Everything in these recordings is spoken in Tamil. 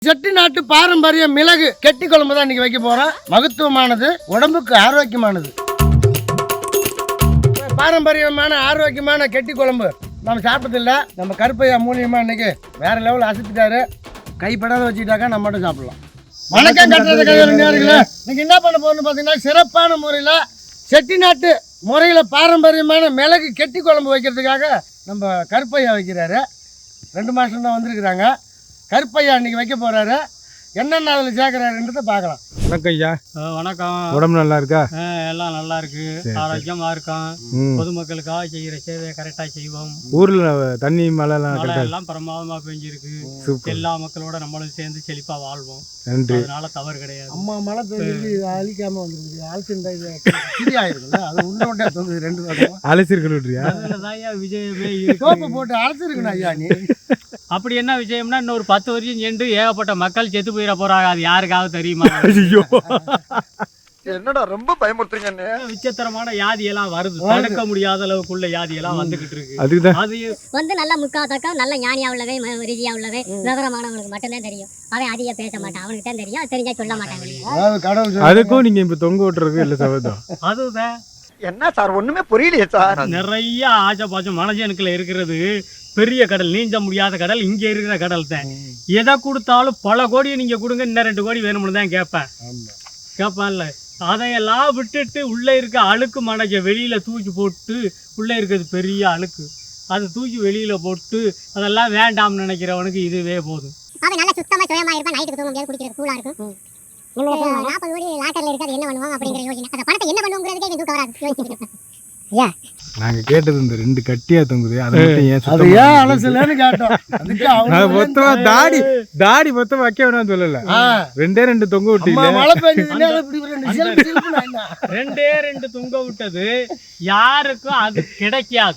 செட்டிநாட்டு பாரம்பரிய மிளகு கெட்டி குழம்பு தான் இன்னைக்கு வைக்க போறோம். மகத்துவமானது, உடம்புக்கு ஆரோக்கியமானது. பாரம்பரியமான ஆரோக்கியமான கெட்டி குழம்பு நம்ம சாப்பிட்டதில்ல. நம்ம கருப்பையா மூலியமா இன்னைக்கு வேற லெவல் அசைச்சிட்டாரு. கைப்படாத வச்சுக்கிட்டாக்கா நம்ம மட்டும் சாப்பிடலாம். வணக்கம் கட்டுறது கையாளுங்களே. இன்னைக்கு என்ன பண்ண போறோம்னு பார்த்தீங்கன்னா, சிறப்பான முறையில் செட்டிநாட்டு முறையில் பாரம்பரியமான மிளகு கெட்டி குழம்பு வைக்கிறதுக்காக நம்ம கருப்பையா வைக்கிறாரு. 2 மாதம் தான் வந்திருக்கிறாங்க. கருப்பையா இன்னைக்கு வைக்க போறாரு. என்னென்ன அதில் சேர்க்கிறாருன்றதை பார்க்கலாம். வணக்கம் ஐயா. வணக்கம். உடம்பு நல்லா இருக்கா? எல்லாம் நல்லா இருக்கு, ஆரோக்கியமா இருக்கோம். பொதுமக்களுக்காக செய்யற சேவையை கரெக்டா செய்வோம். ஊர்ல தண்ணி மழை எல்லாம் பிரமாதமா பெஞ்சிருக்கு. எல்லா மக்களோட நம்மளும் சேர்ந்து செழிப்பா வாழ்வோம். அதனால தவறு கிடையாது. அம்மா மழை பெஞ்சு அழிக்காம வந்துருக்கு. அழைச்சிருந்தா அது உள்ளோட்டே தோணுது. 2 வருஷம் அழைச்சிருக்கா? அதுலதான் விஜயமே சோப்பு போட்டு அழைச்சிருக்கணும் ஐயா. நீ அப்படி என்ன விஷயம்னா, இன்னொரு 10 வருஷம் சென்று ஏகப்பட்ட மக்கள் செத்து போயிட போறாங்க. அது யாருக்காவது தெரியுமா? என்னடா ரொம்ப பயமுறுத்துறீங்க. விசித்திரமான வியாதி எல்லாம் வருது. தடுக்க முடியாத அளவுக்குள்ள வியாதி எல்லாம் வந்துகிட்டு இருக்கு. அது வந்து நல்ல முக்காத்தக்கா நல்ல ஞானியா உள்ளவே ரீதியா உள்ளவே விவரமானவனுக்கு மட்டும்தான் தெரியும். அவன் அதிக பேச மாட்டான். அவனுக்கு தான் தெரியும். தெரிஞ்சா சொல்ல மாட்டாங்க. அதுக்கும் நீங்க இப்ப தொங்க விட்டுறது இல்ல சபதம். அதுதான் என்ன சார் ஒண்ணுமே புரியலையே சார். நிறைய ஆச்சபாச்சம் மனுஷனுக்குள்ள இருக்கிறது. பெரிய கடல், நீஞ்ச முடியாத கடல் இங்க இருக்கிற கடல் தான். எதை கொடுத்தாலும் பல கோடியை நீங்க கொடுங்க, இன்னும் 2 கோடி வேணும்னு தான் கேட்பான்ல. அதையெல்லாம் விட்டுட்டு உள்ள இருக்க அழுக்கு மனஜ வெளியில தூக்கி போட்டு, உள்ள இருக்கிறது பெரிய அழுக்கு, அதை தூக்கி வெளியில போட்டு அதெல்லாம் வேண்டாம்னு நினைக்கிறவனுக்கு இதுவே போதும். அவன் நல்ல சுத்தமா சுயமா இருப்பான். நைட்டுக்கு தூங்க முடியாது, குடிக்கிறது கூலா இருக்கும். 40 கோடி லாட்டர்ல இருக்காது, என்ன பண்ணுவாங்க அப்படிங்கிற யோசனை. அந்த பணத்தை என்ன பண்ணுவோங்கிறதுக்கே தூக்க வராது. யோசிச்சுக்கிட்டு நாங்க கேட்டது இந்த 2 கட்டியா தொங்குது. அதை ஏன் அலசலன்னு கேட்டோம். மொத்தமா தாடி மொத்தமா வைக்க வேணாம் சொல்லல. 2 தொங்க விட்டீங்க. மழை பெஞ்சதுன்னா 2 தொங்க விட்டது யாருக்கும் அது கிடைக்காது.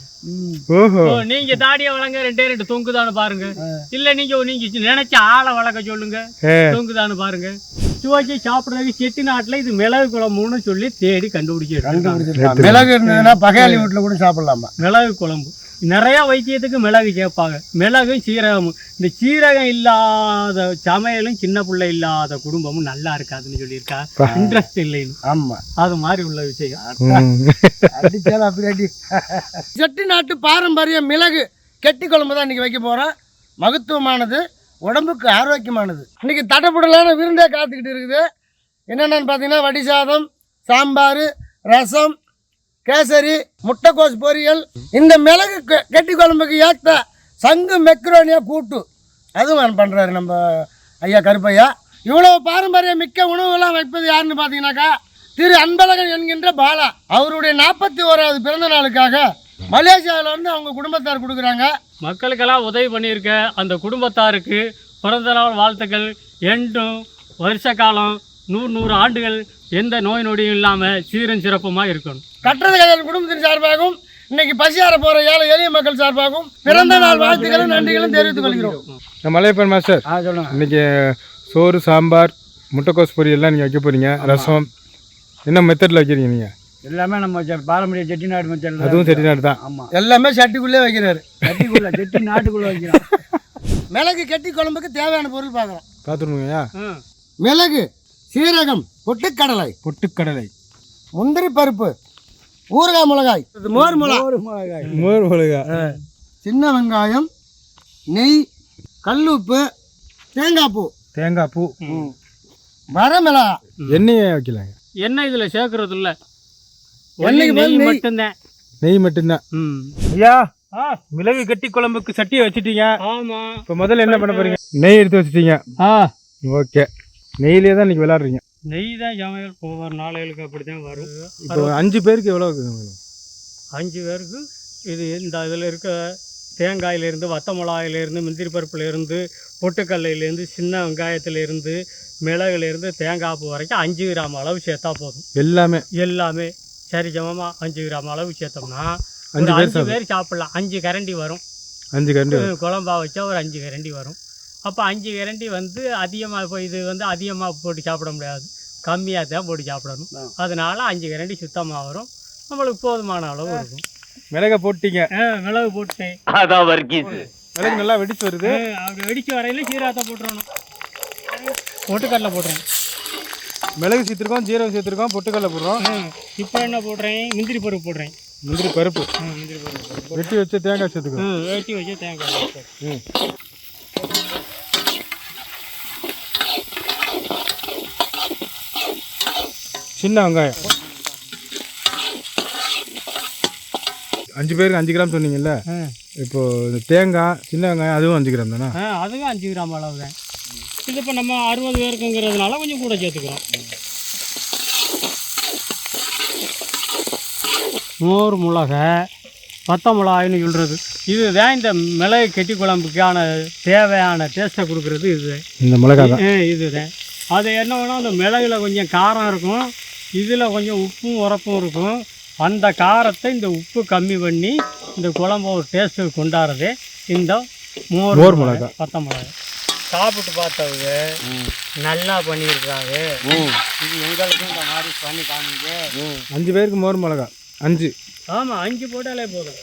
நீங்க தாடிய வளங்க 2 தொங்குதான்னு பாருங்க. இல்ல நீங்க நினைச்ச ஆளை வளர்க்க சொல்லுங்க, தொங்குதான்னு பாருங்க. துவக்கி சாப்பிடுறதுக்கு செட்டிநாட்டுல இது மிளகு குழம்புன்னு சொல்லி தேடி கண்டுபிடிச்சு. மிளகு இருந்ததுன்னா பகையாளி வீட்டுல கூட சாப்பிடலாமா? மிளகு குழம்பு நிறைய வைத்தியத்துக்கு மிளகு கேட்பாங்க. மிளகும் சீரகமும். இந்த சீரகம் இல்லாத சமையலும் சின்ன பிள்ளை இல்லாத குடும்பமும் நல்லா இருக்காதுன்னு சொல்லியிருக்கா. இன்ட்ரெஸ்ட் இல்லைன்னு. ஆமா, அது மாதிரி உள்ள விஷயம். அடிச்சாலும் அப்படி அடி. செட்டிநாட்டு பாரம்பரிய மிளகு கெட்டி குழம்பு தான் இன்னைக்கு வைக்க போறோம். மகத்துவமானது, உடம்புக்கு ஆரோக்கியமானது. இன்னைக்கு தடப்புடலான விருந்தே காத்துக்கிட்டு இருக்குது. என்னென்னு பார்த்தீங்கன்னா, வடி சாதம், சாம்பார், ரசம், கேசரி, முட்டைக்கோஸ் பொரியல். இந்த மிளகு கெட்டி குழம்புக்கு ஏற்ற சங்கு மெக்ரோனியா கூட்டு அதுவும் பண்ணுறாரு நம்ம ஐயா கருப்பையா. இவ்வளோ பாரம்பரிய மிக்க உணவுகள்லாம் வைப்பது யாருன்னு பார்த்தீங்கன்னாக்கா, திரு அன்பழகன் என்கின்ற பாலா. அவருடைய 41வது பிறந்த நாளுக்காக மலேசியாவிலேருந்து அவங்க குடும்பத்தார் கொடுக்குறாங்க. மக்களுக்கெல்லாம் உதவி பண்ணியிருக்க அந்த குடும்பத்தாருக்கு பிறந்த நாள் வாழ்த்துக்கள். என்றும் வருஷ காலம் 100 ஆண்டுகள் எந்த நோய் நொடியும் இல்லாமல் சீரும் சிறப்புமாக இருக்கணும். கட்டுறது கையால் குடும்பத்தின் சார்பாகவும், இன்னைக்கு பசியார போகிற ஏழை எளிய மக்கள் சார்பாகவும் பிறந்த நாள் வாழ்த்துக்களும் நன்றிகளும் தெரிவித்துக் கொள்கிறோம். மலையப்பன் மாஸ்டர், இன்னைக்கு சோறு, சாம்பார், முட்டைக்கோஸ் பொரியல்லாம் நீங்கள் வைக்க போகிறீங்க. ரசம் என்ன மெத்தடில் வைக்கிறீங்க நீங்கள்? எல்லாமே நம்ம பாரம்பரிய செட்டிநாடு மெத்தட். அதுவும் செட்டிநாடு தான். ஆமாம், எல்லாமே சட்டிக்குள்ளே வைக்கிறாரு. செட்டிநாட்டுக்குள்ளே வைக்கிறோம். மிளகு கெட்டி குழம்புக்கு தேவையான பொருள் பார்க்கலாம். பார்த்துருங்கய்யா. மிளகு, சீரகம், பொட்டுக்கடலை, முந்திரி பருப்பு, ஊறுகாய் மிளகாய், மோர் மிளகாய், சின்ன வெங்காயம், நெய், கல்லுப்பு, தேங்காய் பூ, வரமிளகா. எண்ணெயை வைக்கலாங்க. எண்ணெய் இதில் சேர்க்கறது இல்லை, மட்டும்தான். நெய் மட்டும்தான். ஐயா, மிளகு கட்டி குழம்புக்கு சட்டியை வச்சுட்டீங்க. ஆமா, இப்போ முதல்ல என்ன பண்ண போறீங்க? நெய் எடுத்து வச்சுட்டீங்க. ஓகே, நெய்லேயே தான் இன்னைக்கு விளையாடுறீங்க. நெய் தான் சமையல். ஒவ்வொரு நாளைகளுக்கு அப்படி தான் வரும். இப்போ 5 பேருக்கு எவ்வளோ? 5 பேருக்கு இது இந்த இதில் இருக்க தேங்காயிலேருந்து, வத்த மிளகாயிலேருந்து, முந்திரி பருப்புலேருந்து, பொட்டுக்கல்லையிலேருந்து, சின்ன வெங்காயத்துலேருந்து, மிளகுலேருந்து, தேங்காய் பூ வரைக்கும் 5 கிராம் அளவு சேர்த்தா போதும். எல்லாமே சரி சமமாக 5 கிராம் அளவு சேர்த்தோம்னா 5 பேர் சாப்பிட்லாம். 5 கரண்டி வரும். 5 கரண்டி குழம்பா வச்சா ஒரு 5 கரண்டி வரும். அப்போ 5 கரண்டி வந்து அதிகமாக, இப்போ இது வந்து அதிகமாக போட்டு சாப்பிட முடியாது, கம்மியாக தான் போட்டு சாப்பிடணும். அதனால 5 கரண்டி சுத்தமாக வரும். நம்மளுக்கு போதுமான அளவு இருக்கும். மிளகை போட்டீங்க? மிளகு போட்டேன். மிளகு நல்லா வெடிச்சு வருது. அப்படி வெடிச்சு வரையில சீரகத்தை போட்டுறணும். பொட்டுக்கடலை போடுறேன். மிளகு சேர்த்துருக்கோம், ஜீரகம் சேர்த்துருக்கோம், பொட்டுக்கடலை போடுறோம். இப்போ என்ன போடுறேன், முந்திரி பருப்பு போடுறேன். முந்திரி பருப்பு முந்திரி பருப்பு வெட்டி வச்ச தேங்காய் சேர்த்துக்கோம். வெட்டி வச்சு தேங்காய். சின்ன வெங்காயம் 5 பேருக்கு 5 கிராம் சொன்னீங்கல்ல, இப்போ இந்த தேங்காய் சின்ன வெங்காயம் அதுவும் 5 கிராம் தானே? அதுவும் 5 கிராம் அளவு தான். இது இப்போ நம்ம 60 பேருக்குங்கிறதுனால கொஞ்சம் கூட சேர்த்துக்கிறோம். மோர் மிளகா வத்த மிளகாய்னு சொல்கிறது இதுதான் இந்த மிளகு கெட்டி குழம்புக்கான தேவையான டேஸ்ட்டை கொடுக்குறது இது. இந்த மிளகா தான் இதுதான். அது என்ன வேணும், அந்த மிளகுல கொஞ்சம் காரம் இருக்கும், இதில் கொஞ்சம் உப்பும் உரப்பும் இருக்கும். அந்த காரத்தை இந்த உப்பு கம்மி பண்ணி இந்த குழம்பு ஒரு டேஸ்ட்டு கொண்டாடுறது இந்த மோர் மிளகா வத்த மிளகா. சாப்பிட்டு பார்த்தவங்க நல்லா பண்ணியிருக்காங்க. இது எங்களுக்கும் இந்த மாதிரி பண்ணி காமிங்க. 5 பேருக்கு மோர் மிளகா 5. ஆமாம், 5 போட்டாலே போதும்.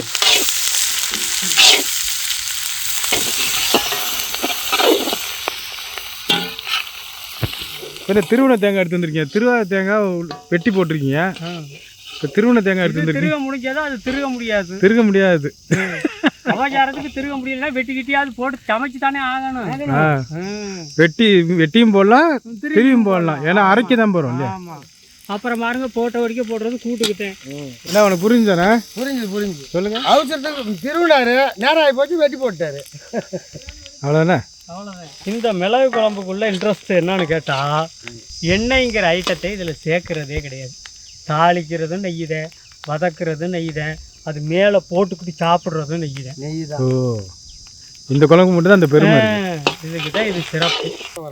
இப்போ திருவண்ண தேங்காய் எடுத்து வந்துருக்கீங்க, திருவாத தேங்காய் வெட்டி போட்டிருக்கீங்க. இப்போ திருவண்ண தேங்காய் எடுத்து வந்துருக்கீங்க. திருக முடிஞ்சாதான் அது திருக முடியாது. திருக முடியாது. சமாச்சாரத்துக்கு திருக முடியலன்னா வெட்டி கிட்டியாவது போட்டு சமைச்சு தானே ஆகணும். வெட்டியும் போடலாம், திருவியும் போடலாம். ஏன்னா அரைக்க தான் போகிறோம் இல்லையா? ஆமாம். அப்புறம் பாருங்க போட்ட வரைக்கும் போடுறது கூட்டுக்கிட்டேன். என்ன உனக்கு புரிஞ்சுதானே? புரிஞ்சு சொல்லுங்க. அவசரத்துக்கு திருவிழாரு நேரம் ஆகி போச்சு, வெட்டி போட்டாரு. அவ்வளோதானே? அவ்வளோதான். இந்த மிளகு குழம்புக்குள்ள இன்ட்ரெஸ்ட் என்னன்னு கேட்டால், எண்ணெய்ங்கிற ஐட்டத்தை இதில் சேர்க்கறதே கிடையாது. தாளிக்கிறதும் நெய் தான், வதக்குறதும் நெய் தான், அது மேலே போட்டுக்கிட்டு சாப்பிட்றதும் நெய் தான். நெய் தான். ஓ, இந்த குழம்பு மட்டும் தான் அந்த பெருமை. இதுக்கு தான் இது சிறப்பு.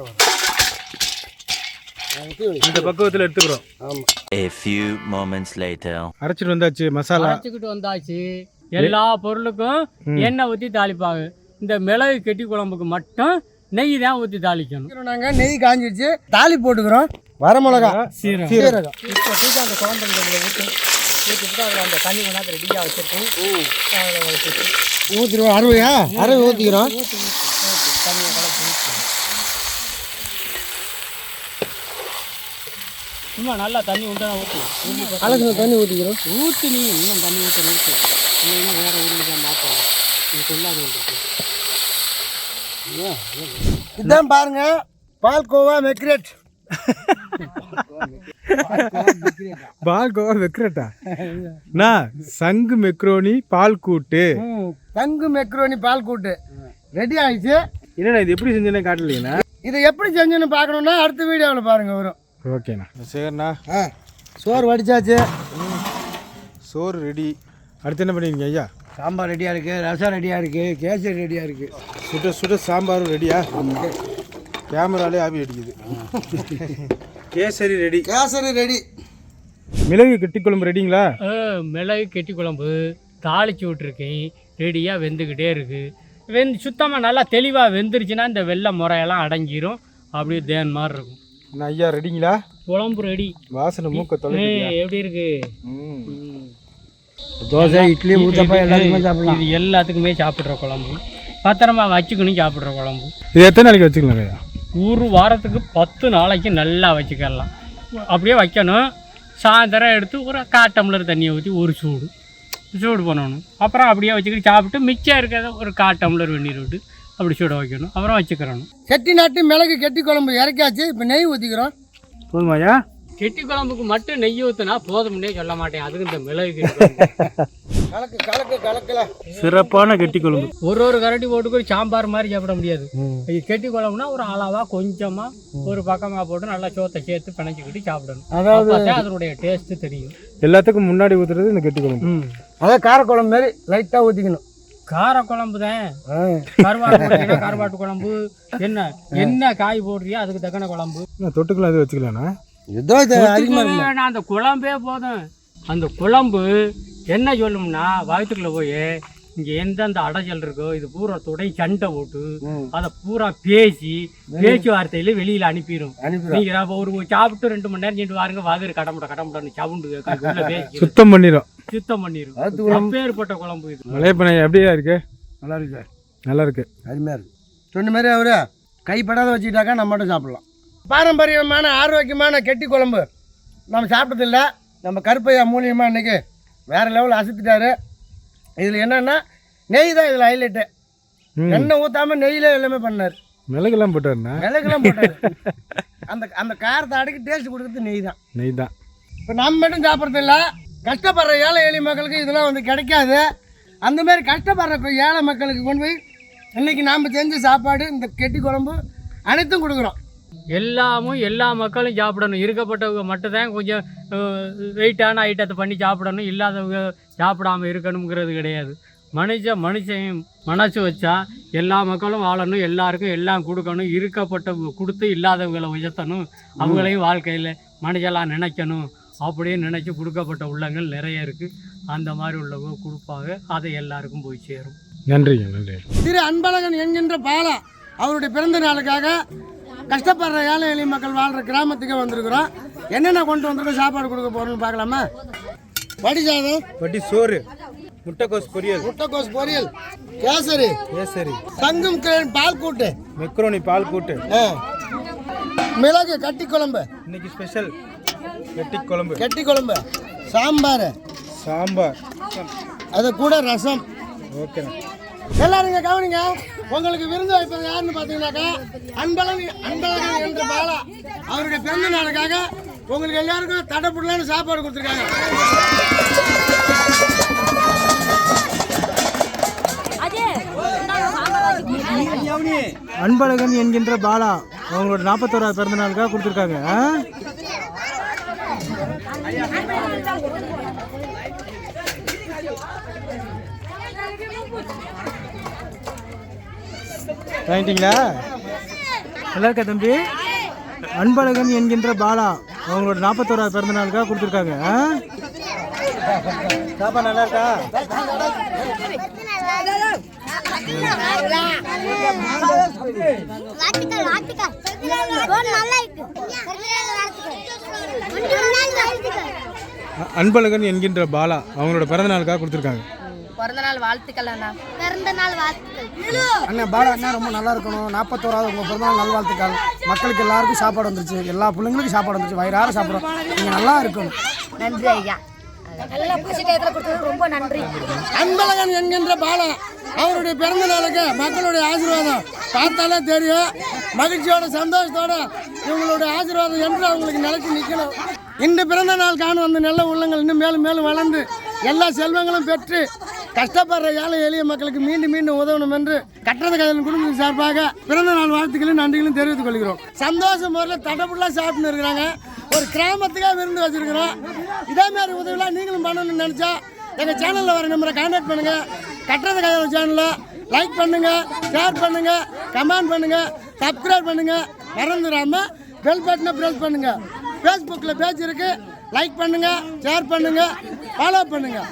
இந்த பக்குவத்தில் எடுத்துக்கிறோம். ஆமாம். A few moments later. அரைச்சிட்டு வந்தாச்சு, மசாலா அரைச்சிக்கிட்டு வந்தாச்சு. எல்லா பொருளுக்கும் எண்ணெய் ஊற்றி தாளிப்பாங்க. இந்த மிளகு கெட்டி குழம்புக்கு மட்டும் நெய் தான் ஊற்றி தாளிக்கணும். நாங்கள் நெய் காஞ்சிடுச்சு, தாலி போட்டுக்கிறோம். வரமிளகா, சீரகம். இப்போ தூக்கி அந்த குழம்பு ஊற்றிட்டு அதில் அந்த தண்ணி கொண்டாந்து ரெடியாக வச்சுருக்கோம். ஊற்றிடுவோம். அறுவை ஊற்றிக்கிறோம். தண்ணியை கலந்து சும்மா நல்லா தண்ணி உண்டா ஊற்றி கலக்கிற தண்ணி ஊற்றிக்கிறோம். ஊற்றி நீ இன்னும் தண்ணி ஊற்றி இல்லைன்னா வேறு ஊருக்கு தான் மாற்றணும். நீ சொல்லாத உங்களுக்கு இதுதான் பாருங்க, பால்கோவா மெக்ரேட். பால்கோவா மெக்ரேட்டா? சங்கு மெக்ரோனி பால் கூட்டு. தங்கு மெக்ரோனி பால் கூட்டு ரெடி ஆயிடுச்சு. என்னண்ணா இது எப்படி செஞ்சேன்னு காட்டலைங்கண்ணா? இதை எப்படி செஞ்சுன்னு பார்க்கணுன்னா அடுத்த வீடியோவில் பாருங்க வரும். ஓகேண்ணா. சரிண்ணா, சோறு வடிச்சாச்சு, சோறு ரெடி. அடுத்து என்ன பண்ணிருக்கீங்க ஐயா? சாம்பார் ரெடியாக இருக்குது, ரசம் ரெடியாக இருக்குது, கேசரி ரெடியாக இருக்குது. சுட சுட சாம்பாரும் ரெடியா? கேமராலே ஆவி அடிக்குது. கேசரி ரெடி. கேசரி ரெடி. மிளகு கெட்டி குழம்பு ரெடிங்களா? மிளகு கெட்டி குழம்பு தாளித்து விட்ருக்கேன், ரெடியாக வெந்துக்கிட்டே இருக்குது. சுத்தமாக நல்லா தெளிவாக வெந்துருச்சுன்னா இந்த வெள்ளை முறையெல்லாம் அடங்கிரும். அப்படியே தேன் மாதிரி இருக்கும். என்ன ஐயா ரெடிங்களா? குழம்பு ரெடி. வாசனை மூக்க தொலை. எப்படி இருக்கு? தோசை, இட்லி, ஊத்தப்பா எல்லாத்துக்குமே சாப்பிடலாம். இது எல்லாத்துக்குமே சாப்பிட்ற குழம்பு, பத்திரமா வச்சுக்கணும். சாப்பிட்ற குழம்பு இது எத்தனை நாளைக்கு வச்சுக்கலாம் ஐயா? ஒரு வாரத்துக்கு 10 நாளைக்கு நல்லா வச்சுக்கலாம். அப்படியே வைக்கணும். சாயந்தரம் எடுத்து ஒரு 1/4 டம்ளர் தண்ணியை ஊற்றி ஒரு சூடு பண்ணணும். அப்புறம் அப்படியே வச்சுக்கிட்டு சாப்பிட்டு மிச்சம் இருக்கிறத ஒரு 1/4 டம்ளர் வெந்நீர் விட்டு அப்படி சூட வைக்கணும். அப்புறம் வச்சுக்கிறணும். செட்டி நாட்டு மிளகு கெட்டி குழம்பு இறக்காச்சு. இப்போ நெய் ஊற்றிக்கிறோம். போதுமாயா? கெட்டி குழம்புக்கு மட்டும் நெய் ஊற்றினா போதும்னே சொல்ல மாட்டேன். அதுக்கு இந்த மிளகு கலக்கல சிறப்பான கெட்டி குழம்பு. ஒரு கரண்டி போட்டுக்கு சாம்பார் மாதிரி சாப்பிட முடியாது. இது கெட்டி குழம்புனா ஒரு அளவாக கொஞ்சமாக ஒரு பக்கமாக போட்டு நல்லா சோத்தை சேர்த்து பிணைச்சிக்கிட்டு சாப்பிடணும். அதாவது அதனுடைய டேஸ்ட்டு தெரியும். எல்லாத்துக்கும் முன்னாடி ஊற்றுறது இந்த கெட்டி குழம்பு. அதான் காரக்குழம்பு மாதிரி லைட்டாக ஊற்றிக்கணும். காரக்குழம்பு தான். கருவாட்டு குழம்பு என்ன காய் போடுறியோ அதுக்கு தக்கன குழம்பு. தொட்டுக்கலாம் இது வச்சுக்கலாம்ண்ணா? அந்த குழம்பே போதும். அந்த குழம்பு என்ன சொல்லும்னா, வயிற்றுக்குள்ள போய் இங்கே எந்தெந்த அடைச்சல் இருக்கோ இது பூரா துடை சண்டை போட்டு அதை பூரா பேச்சுவார்த்தையில வெளியில அனுப்பிடும். நீங்க ஒரு சாப்பிட்டு 2 மணி நேரம் சென்று வாருங்க, வாதிரு கடமுடன்னு சவுண்டு சுத்தம் பண்ணிடும். அப்பேற்பட்ட குழம்பு இது. மலையப்பனை எப்படியா இருக்கு? நல்லா இருக்கு சார். நல்லா இருக்கு. அருமையாக இருக்கு. சொன்ன மாதிரி அவரு கைப்படாத வச்சுக்கிட்டாக்கா நம்ம மட்டும் சாப்பிட்லாம். பாரம்பரியமான ஆரோக்கியமான கெட்டி குழம்பு நம்ம சாப்பிட்டதில்ல. நம்ம கருப்பையா மூலியமாக இன்றைக்கி வேறு லெவலில் அசத்துட்டாரு. இதில் என்னென்னா நெய் தான் இதில் ஹைலைட்டு. எண்ணெய் ஊற்றாமல் நெய்யில் எல்லாமே பண்ணார். மிளகுலாம் போட்டாருண்ணா. மிளகுலாம் போட்டார். அந்த அந்த காரத்தை அடக்கி டேஸ்ட் கொடுக்குறது நெய் தான். இப்போ நம்ம மட்டும் சாப்பிட்றதில்ல, கஷ்டப்படுற ஏழை எளிய மக்களுக்கு இதெல்லாம் வந்து கிடைக்காது. அந்தமாரி கஷ்டப்படுற ஏழை மக்களுக்கு கொண்டு போய் இன்றைக்கி நாம் செஞ்ச சாப்பாடு இந்த கெட்டி குழம்பு அனைத்தும் கொடுக்குறோம். எல்லா மக்களும் சாப்பிடணும். இருக்கப்பட்டவங்க மட்டும்தான் கொஞ்சம் வெயிட்டான ஐட்டத்தை பண்ணி சாப்பிடணும். இல்லாதவங்க சாப்பிடாமல் இருக்கணுங்கிறது கிடையாது. மனுஷன் மனசு வச்சா எல்லா மக்களும் வாழணும், எல்லாருக்கும் எல்லாம் கொடுக்கணும். இருக்கப்பட்டவங்க கொடுத்து இல்லாதவங்களை உயர்த்தணும், அவங்களையும் வாழ்க்கையில் மனுஷெல்லாம் நினைக்கணும் அப்படின்னு நினச்சி கொடுக்கப்பட்ட உள்ளங்கள் நிறைய இருக்குது. அந்த மாதிரி உள்ளவங்க கொடுப்பாங்க, அதை எல்லாருக்கும் போய் சேரும். நன்றிங்க, நன்றி. திரு அன்பழகன் என்கின்ற பாலா அவருடைய பிறந்த நாளுக்காக கஷ்டப்படுற ஏழை எளிய மக்கள் வாழ்கிற கிராமத்துக்கே வந்திருக்கிறோம். என்னென்ன கொண்டு வந்திருக்கோம், சாப்பாடு கொடுக்க போகிறோம்னு பார்க்கலாமா? வடி சாதம், வட்டி சோறு, முட்டைக்கோஸ் பொரியல், கேசரி, தங்கும் பால் கூட்டு, மெக்ரோனி பால் கூட்டு, மிளகு கட்டி குழம்பு, இன்னைக்கு ஸ்பெஷல் கெட்டி குழம்பு, சாம்பார், அது கூட ரசம். ஓகே. எல்லாரும் இங்கே கவனிங்க. உங்களுக்கு விருந்து வைப்பது யாருன்னு பார்த்தீங்கன்னாக்கா அன்பழகன் என்ற பாலா அவருடைய பிறந்த நாளுக்காக உங்களுக்கு எல்லாருக்கும் தடைப்படலான்னு சாப்பாடு கொடுத்துருக்காங்க. அன்பழகன் என்கின்ற பாலா அவங்களோட 41வது பிறந்த நாளுக்காக கொடுத்துருக்காங்க. வாங்கிட்டீங்களா? நல்லா இருக்கா தம்பி? அன்பழகன் என்கின்ற பாலா அவங்களோட 41வது பிறந்த நாளுக்காக கொடுத்துருக்காங்க. சாப்பாடு நல்லா இருக்கா? அன்பழகன் என்கின்ற பாலா அவங்களோட பிறந்த நாளுக்காக கொடுத்துருக்காங்க. பிறந்தநாள் வாழ்த்துக்கள் அண்ணா. பிறந்தநாள் வாழ்த்துக்கள் அண்ணா. பாலா அண்ணா ரொம்ப நல்லா இருக்கணும். 41வது உங்கள் பிறந்தநாள் நல்வாழ்த்துக்கள். மக்களுக்கு எல்லாருக்கும் சாப்பாடு வந்துருச்சு, எல்லா பிள்ளைங்களுக்கும் சாப்பாடு வந்துருச்சு, வயிறார சாப்பிட்றோம். நீங்கள் நல்லா இருக்கணும். நன்றி ஐயா. நல்லா பசி டயத்தில் கொடுத்தது ரொம்ப நன்றி. அன்பழகன் என்கின்ற பாலா அவருடைய பிறந்த நாளுக்கு மக்களுடைய ஆசீர்வாதம் பார்த்தாலே தெரியும். மகிழ்ச்சியோட சந்தோஷத்தோட இவங்களுடைய ஆசீர்வாதம் என்று அவங்களுக்கு நிலைச்சு நிற்கணும். இந்த பிறந்த நாள் காணும் அந்த நல்ல உள்ளங்கள் இன்னும் மேலும் மேலும் வளர்ந்து எல்லா செல்வங்களும் பெற்று கஷ்டப்படுற ஏழை எளிய மக்களுக்கு மீண்டும் மீண்டும் உதவணும் என்று கட்டண கையில் குடும்பத்தின் சார்பாக பிறந்த நாள் வாழ்த்துக்களையும் நன்றிகளும் தெரிவித்துக் கொள்கிறோம். சந்தோஷம் முறையில் தடப்புலாம் சாப்பிட்டு இருக்கிறாங்க. ஒரு கிராமத்துக்காக விருந்து வச்சிருக்கிறோம். இதே மாதிரி உதவிலாம் நீங்களும் பண்ணணும்னு நினச்சா எங்கள் சேனலில் வர நம்பரை கான்டாக்ட் பண்ணுங்கள். கட்டுறது கையில் சேனலில் லைக் பண்ணுங்கள், ஷேர் பண்ணுங்கள், கமெண்ட் பண்ணுங்கள், சப்ஸ்கிரைப் பண்ணுங்கள். மறந்துடாமல் பெல் பட்டனை ப்ரெஸ் பண்ணுங்கள். ஃபேஸ்புக்கில் பேஜ் இருக்குது, லைக் பண்ணுங்கள், ஷேர் பண்ணுங்கள், ஃபாலோ பண்ணுங்கள்.